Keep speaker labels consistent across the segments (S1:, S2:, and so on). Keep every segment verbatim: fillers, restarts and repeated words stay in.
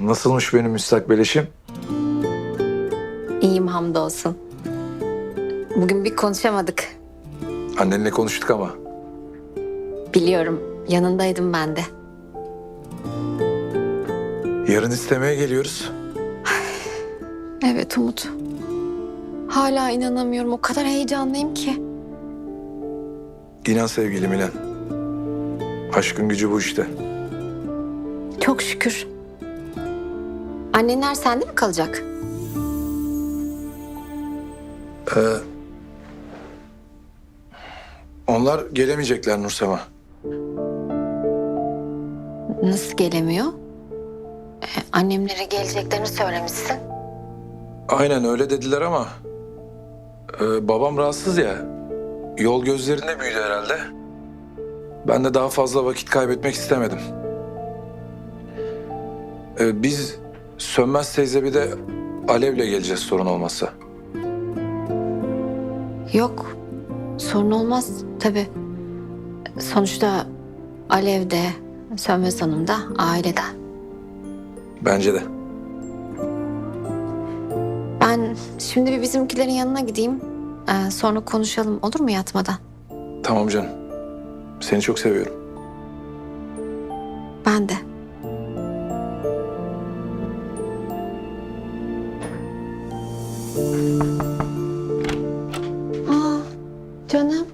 S1: Nasılmış benim müstakbel eşim?
S2: İyiyim hamdolsun. Bugün bir konuşamadık.
S1: Annenle konuştuk ama.
S2: Biliyorum, yanındaydım ben de.
S1: Yarın istemeye geliyoruz.
S2: Evet Umut. Hala inanamıyorum. O kadar heyecanlıyım ki.
S1: İnan sevgilim inan. Aşkın gücü bu işte.
S2: Çok şükür. Annenler sende mi kalacak?
S1: Ee, onlar gelemeyecekler Nursema.
S2: Nasıl gelemiyor? Ee, annemlere geleceklerini söylemişsin.
S1: Aynen öyle dediler ama... e, babam rahatsız ya. Yol gözlerinde büyüdü herhalde. Ben de daha fazla vakit kaybetmek istemedim. Ee, biz Sönmez teyze bir de Alev'le geleceğiz sorun olmazsa.
S2: Yok, sorun olmaz tabii. Sonuçta Alev de, Sönmez Hanım da aileden.
S1: Bence de.
S2: Ben şimdi bir bizimkilerin yanına gideyim. Ee, sonra konuşalım olur mu yatmadan?
S1: Tamam canım. Seni çok seviyorum.
S2: Ben de. Aa, canım.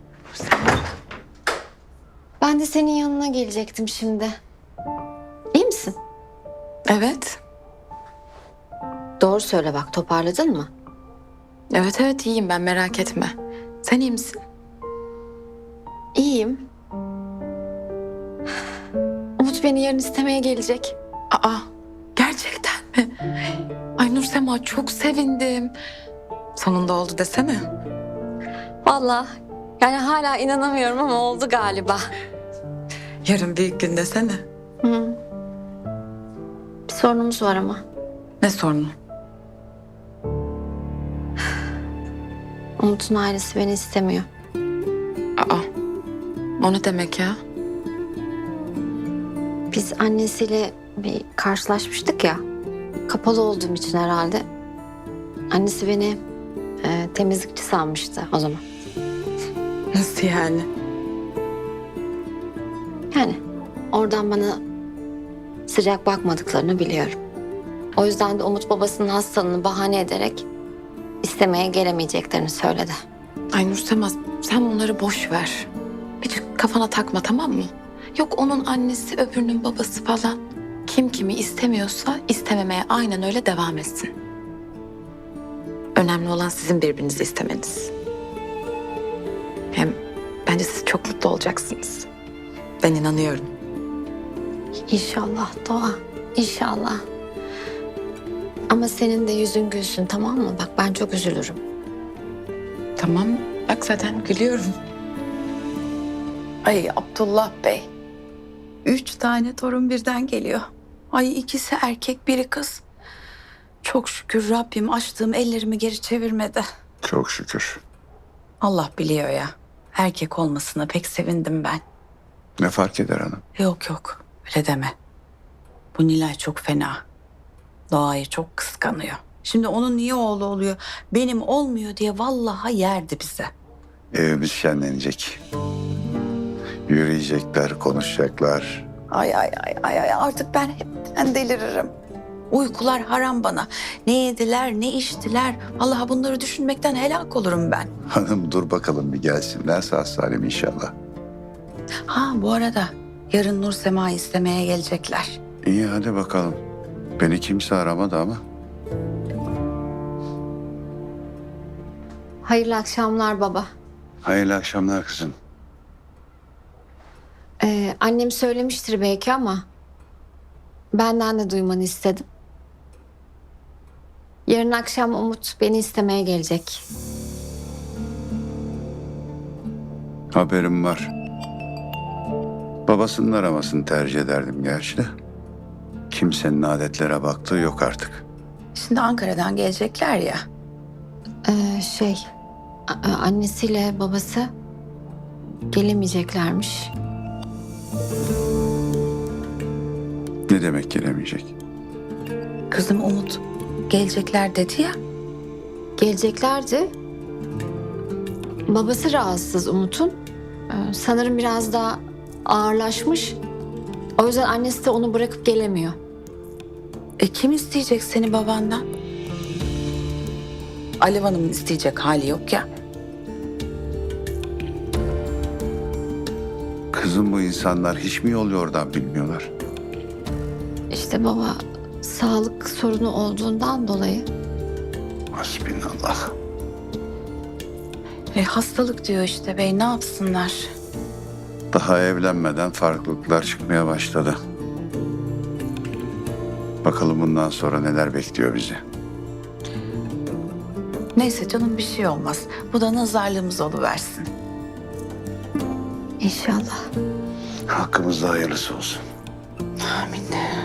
S2: Ben de senin yanına gelecektim şimdi. İyi misin?
S3: Evet.
S2: Doğru söyle bak, toparladın mı?
S3: Evet evet iyiyim ben, merak etme. Sen iyi misin?
S2: İyiyim. Umut beni yarın istemeye gelecek.
S3: Aa, gerçekten mi? Ay Nursema, çok sevindim. Sonunda oldu desene.
S2: Vallahi yani hala inanamıyorum ama oldu galiba.
S3: Yarın büyük gün desene.
S2: Hı. Bir sorunumuz var ama.
S3: Ne sorunu?
S2: Umut'un ailesi beni istemiyor.
S3: Aa, o ne demek ya?
S2: Biz annesiyle bir karşılaşmıştık ya. Kapalı olduğum için herhalde. Annesi beni e, temizlikçi sanmıştı o zaman.
S3: Nasıl yani?
S2: Yani oradan bana sıcak bakmadıklarını biliyorum. O yüzden de Umut babasının hastalığını bahane ederek istemeye gelemeyeceklerini söyledi.
S3: Ay Nursema, sen bunları boş ver. Hiç kafana takma, tamam mı? Yok onun annesi öbürünün babası falan. Kim kimi istemiyorsa istememeye aynen öyle devam etsin. Önemli olan sizin birbirinizi istemeniz. Hem bence siz çok mutlu olacaksınız. Ben inanıyorum.
S2: İnşallah Doğa, inşallah. Ama senin de yüzün gülsün, tamam mı? Bak ben çok üzülürüm.
S3: Tamam, bak zaten gülüyorum.
S4: Ay Abdullah Bey. Üç tane torun birden geliyor. Ay ikisi erkek biri kız. Çok şükür Rabbim açtığım ellerimi geri çevirmedi.
S5: Çok şükür.
S4: Allah biliyor ya. Erkek olmasına pek sevindim ben.
S5: Ne fark eder hanım?
S4: Yok yok öyle deme. Bu Nilay çok fena. Doğayı çok kıskanıyor. Şimdi onun niye oğlu oluyor, benim olmuyor diye vallahi yerdi bize.
S5: Evimiz şenlenecek. Yürüyecekler, konuşacaklar.
S4: Ay ay ay ay ay artık ben hepten deliririm. Uykular haram bana. Ne yediler, ne içtiler. Vallahi bunları düşünmekten helak olurum ben.
S5: Hanım dur bakalım bir gelsinler sağ salim inşallah.
S4: Ha bu arada yarın Nur Sema'yı istemeye gelecekler.
S5: İyi hadi bakalım. Beni kimse aramadı ama.
S2: Hayırlı akşamlar baba.
S5: Hayırlı akşamlar kızım.
S2: Ee, annem söylemiştir belki ama benden de duymanı istedim. Yarın akşam Umut beni istemeye gelecek.
S5: Haberim var. Babasının aramasını tercih ederdim gerçi de. Kimsenin adetlere baktığı yok artık.
S4: Şimdi Ankara'dan gelecekler ya.
S2: Ee, şey, a- a- annesiyle babası gelemeyeceklermiş.
S5: Ne demek gelemeyecek?
S4: Kızım Umut gelecekler dedi ya.
S2: Geleceklerdi. Babası rahatsız Umut'un. Ee, sanırım biraz daha ağırlaşmış. O yüzden annesi de onu bırakıp gelemiyor.
S4: E kim isteyecek seni babandan? Alev Hanım'ın isteyecek hali yok ya.
S5: Kızım bu insanlar hiç mi yol yordan bilmiyorlar?
S2: İşte baba sağlık sorunu olduğundan dolayı.
S5: Hasbinallah.
S4: E hastalık diyor işte bey, ne yapsınlar?
S5: Daha evlenmeden farklılıklar çıkmaya başladı. Bakalım bundan sonra neler bekliyor bizi.
S4: Neyse canım, bir şey olmaz. Bu da nazarlığımız oluversin.
S2: İnşallah.
S5: Hakkımızda hayırlısı olsun.
S4: Amin.